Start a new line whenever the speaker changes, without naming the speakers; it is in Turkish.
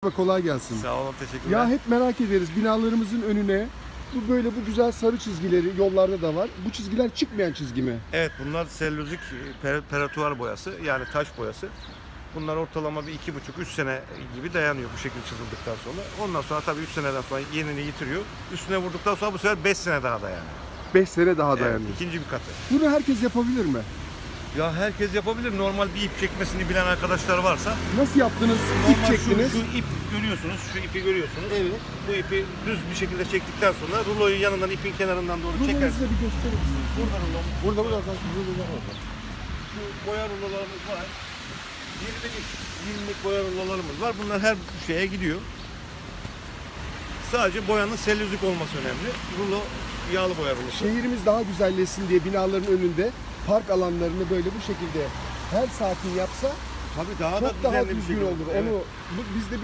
Kolay gelsin.
Sağ olun, teşekkürler.
Ya hep merak ederiz binalarımızın önüne bu güzel sarı çizgileri yollarda da var. Bu çizgiler çıkmayan çizgi mi?
Evet, bunlar selülozik peratuar boyası, yani taş boyası. Bunlar ortalama bir 2,5-3 sene gibi dayanıyor bu şekilde çizildikten sonra. Ondan sonra tabii 3 seneden sonra yenini yitiriyor. Üstüne vurduktan sonra bu sefer 5 sene daha dayanıyor.
5 sene daha
Evet,
dayanıyor.
ikinci bir katı.
Bunu herkes yapabilir mi?
Ya herkes yapabilir. Normal bir ip çekmesini bilen arkadaşlar varsa.
Nasıl yaptınız?
Normal
İp çektiniz.
Şu ip görüyorsunuz, şu ipi görüyorsunuz.
Evet.
Bu ipi düz bir şekilde çektikten sonra ruloyu yanından, ipin kenarından doğru
Rulonuzu
çekersiniz.
da bir gösterir misiniz?
Burada rulo.
Burada rulolar orada.
Şu boya rulolarımız var. 20'lik boya rulolarımız var. Bunlar her şeye gidiyor. Sadece boyanın selülozik olması önemli. Rulo yağlı boya rulosu.
Şehrimiz daha güzelleşsin diye binaların önünde park alanlarını böyle bu şekilde her sakin yapsa
Tabii daha da
çok daha
düzenli bir
düzgün
şekilde.
olur.
Evet.
Onu biz de